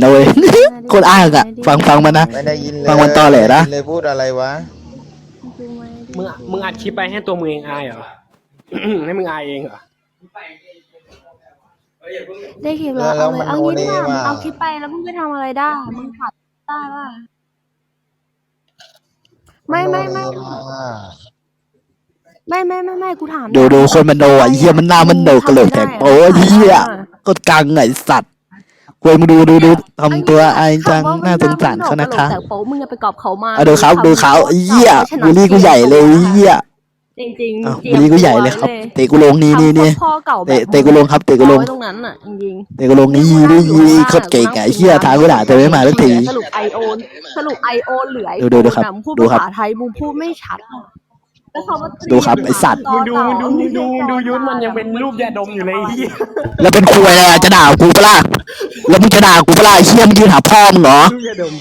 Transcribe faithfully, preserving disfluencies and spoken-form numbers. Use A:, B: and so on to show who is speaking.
A: นะเว้ยโคตรอ้างอ่ะฟังฟังมันนะ
B: ไม่ได้ยินเลย
A: ฟังมันต่อแหละนะ
B: เลยพูดอะไรวะ
C: มึงมึงอัดคลิปไปให้ตัวมึงเองอายเหรอ ให้มึงอายเองเหรอ
D: ได้คลิปแล้วเอาเลยเอางี้ดีกว่ามึงเอาคลิปไปแล้วมึงไปทำอะไรได้มึงขัดได้ป่ะไม่ไม่ไม่ไม่ไม่ไม่ไม่กูถาม
A: ดูดูคนมันโดอ่ะเหี้ยมันหน้ามันโดกระโหลกแตกโอ้ยเหี้ยก็กังไอ้สัตว์ควยมึงดูดูดูทำตัวไอ้จังน่าสงสารเขานะคะ
D: แต่โป๊มึงจะไปกอบเขามา
A: เอาดูเขาดูเขาไอ้เหี้ยบูลลี่กูใหญ่เลยเหี้ย
D: จริงจริง
A: อ้าวบูลลี่กูใหญ่เลยครับเตะกูลงนี่นี่นี่
D: พ่อเก่าแบบ
A: เตะเตะกูลงครับเตะกูลง
D: ตรงนั้นอ่ะจริง
A: เตะกูลงนี่นี่นี่โคตรเก่งไอ้เหี้ยทางกูด่าแต่ไม่มาสักที
D: สรุปไอโอนสรุปไอโอนเหลือไอ
A: ดูดูดูครับ
D: พูด
A: ดูครับ
D: ภาษาไทยมึงพูดไม่ชัดแล้วเขามา
A: ดูครับไอ้สัตว์
C: มึงดูมึงดูมึงดูมึงดูยุทธมันยังเป็นรูปยาดมอยู่เลยไอ้เหี้ย
A: แล้วเป็นควยอะไรอะจะด่ากูปะล่ะแล้วมึงจะด่ากูปะล่ะไอ้เหี้ยมึงยืนหาพ่อมึงเหรอ
C: รูปยาดม